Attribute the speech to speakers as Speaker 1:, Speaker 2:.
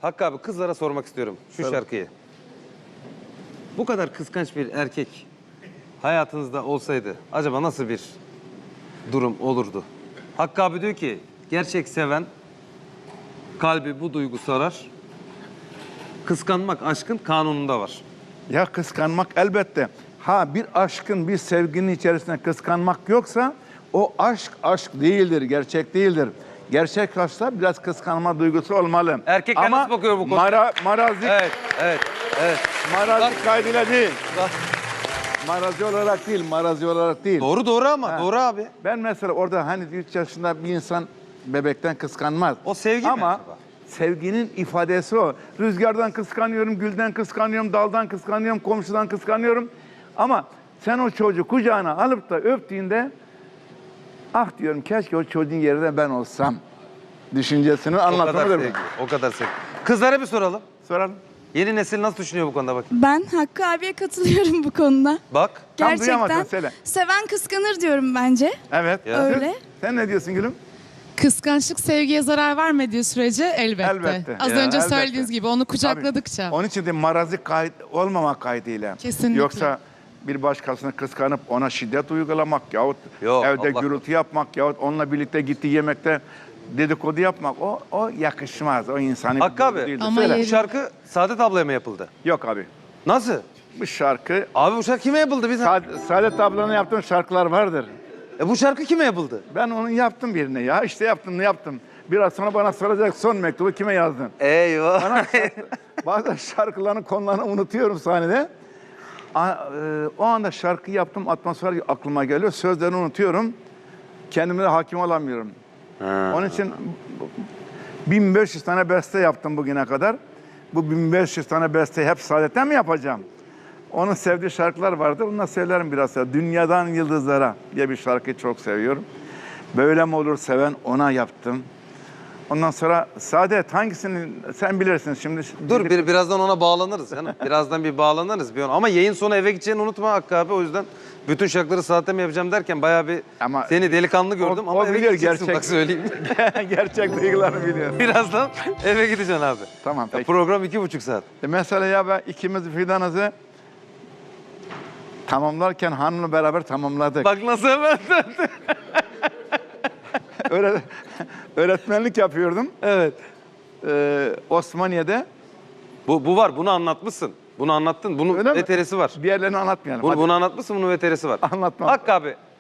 Speaker 1: Hakkı abi kızlara sormak istiyorum şu
Speaker 2: Tabii.
Speaker 1: şarkıyı. Bu kadar kıskanç bir erkek hayatınızda olsaydı acaba nasıl bir durum olurdu? Hakkı abi diyor ki gerçek seven kalbi bu duygu sarar. Kıskanmak aşkın kanununda var.
Speaker 2: Ya kıskanmak elbette. Ha bir aşkın, bir sevginin içerisinde kıskanmak yoksa o aşk değildir, gerçek değildir. Gerçek aşkta biraz kıskanma duygusu olmalı.
Speaker 1: Erkekler
Speaker 2: ama
Speaker 1: nasıl bakıyor bu konuya?
Speaker 2: Marazi,
Speaker 1: Evet.
Speaker 2: marazi kaydıyla değil.
Speaker 1: Bak.
Speaker 2: Marazi olarak değil.
Speaker 1: Doğru ama
Speaker 2: Ha.
Speaker 1: doğru abi.
Speaker 2: Ben mesela orada hani 3 yaşında bir insan bebekten kıskanmaz.
Speaker 1: O sevgi mi
Speaker 2: ama
Speaker 1: acaba?
Speaker 2: sevginin ifadesi o. Rüzgardan kıskanıyorum, gülden kıskanıyorum, daldan kıskanıyorum, komşudan kıskanıyorum. Ama sen o çocuğu kucağına alıp da öptüğünde ah diyorum keşke o çocuğun yerine ben olsam düşüncesini
Speaker 1: O kadar
Speaker 2: anlatmadır mı?
Speaker 1: sevgi. O kadar sevgi. Kızlara bir soralım.
Speaker 2: Soralım.
Speaker 1: Yeni nesil nasıl düşünüyor bu konuda bak.
Speaker 3: Ben Hakkı abiye katılıyorum bu konuda.
Speaker 1: Bak.
Speaker 2: Tam duyamadım,
Speaker 3: Gerçekten
Speaker 2: söyle.
Speaker 3: seven kıskanır diyorum bence.
Speaker 2: Evet.
Speaker 1: Ya.
Speaker 3: Öyle.
Speaker 2: Sen ne diyorsun Gülüm?
Speaker 4: Kıskançlık sevgiye zarar vermediği sürece elbette.
Speaker 2: Elbette.
Speaker 4: Az
Speaker 2: Ya,
Speaker 4: önce
Speaker 2: elbette.
Speaker 4: söylediğiniz gibi onu kucakladıkça.
Speaker 2: Onun için de marazi olmama kaydıyla.
Speaker 4: Kesinlikle.
Speaker 2: Yoksa bir başkasını kıskanıp ona şiddet uygulamak yahut
Speaker 1: Yok,
Speaker 2: evde
Speaker 1: Allah
Speaker 2: gürültü yapmak yahut onunla birlikte gittiği yemekte dedikodu yapmak o yakışmaz. O insani
Speaker 1: Hakkı
Speaker 2: bir
Speaker 1: abi.
Speaker 2: duygu değildir.
Speaker 4: Ama
Speaker 2: Söyle.
Speaker 1: Bu şarkı Saadet ablaya mı yapıldı?
Speaker 2: Yok abi.
Speaker 1: Nasıl?
Speaker 2: Bu şarkı
Speaker 1: Abi bu şarkı kime yapıldı?
Speaker 2: Saadet ablanın yaptığı şarkılar vardır.
Speaker 1: Bu şarkı kime yapıldı?
Speaker 2: Ben onu yaptım birine ya. İşte yaptım. Biraz sonra bana soracak son mektubu kime yazdın?
Speaker 1: Eyvah.
Speaker 2: Bana bazen şarkıların konularını unutuyorum sahnede. O anda şarkı yaptım, atmosfer aklıma geliyor. Sözlerini unutuyorum. Kendime de hakim olamıyorum. Onun için 1500 tane beste yaptım bugüne kadar. Bu 1500 tane besteyi hep Saadet'ten mi yapacağım? Onun sevdiği şarkılar vardır. Onunla söylerim biraz. Dünyadan Yıldızlara diye bir şarkıyı çok seviyorum. Böyle mi olur seven ona yaptım. Ondan sonra Saadet hangisini sen bilirsin şimdi.
Speaker 1: Dur birazdan ona bağlanırız canım. Birazdan bir bağlanırız. Ama yayın sonu eve gideceğini unutma Hakkı abi. O yüzden bütün şarkıları saatte mi yapacağım derken bayağı bir
Speaker 2: Ama
Speaker 1: seni delikanlı gördüm. Ama
Speaker 2: o
Speaker 1: eve
Speaker 2: biliyor
Speaker 1: gideceksin
Speaker 2: gerçek.
Speaker 1: bak söyleyeyim.
Speaker 2: Gerçek duygularını biliyor.
Speaker 1: Birazdan eve gideceksin abi.
Speaker 2: Tamam
Speaker 1: Ya
Speaker 2: peki.
Speaker 1: program 2,5 saat.
Speaker 2: Mesela ya ben ikimiz fidanızı tamamlarken hanımla beraber tamamladık.
Speaker 1: Bak nasıl hemen.
Speaker 2: Öğretmenlik yapıyordum.
Speaker 1: Evet.
Speaker 2: Osmaniye'de.
Speaker 1: Bu var. Bunu anlatmışsın. Bunu anlattın. Bunun
Speaker 2: Öyle mi?
Speaker 1: veterisi var.
Speaker 2: Diğerlerini anlatmayalım. Hadi.
Speaker 1: Bunu anlatmışsın. Bunun veterisi var.
Speaker 2: Anlatmam.
Speaker 1: Hakkı abi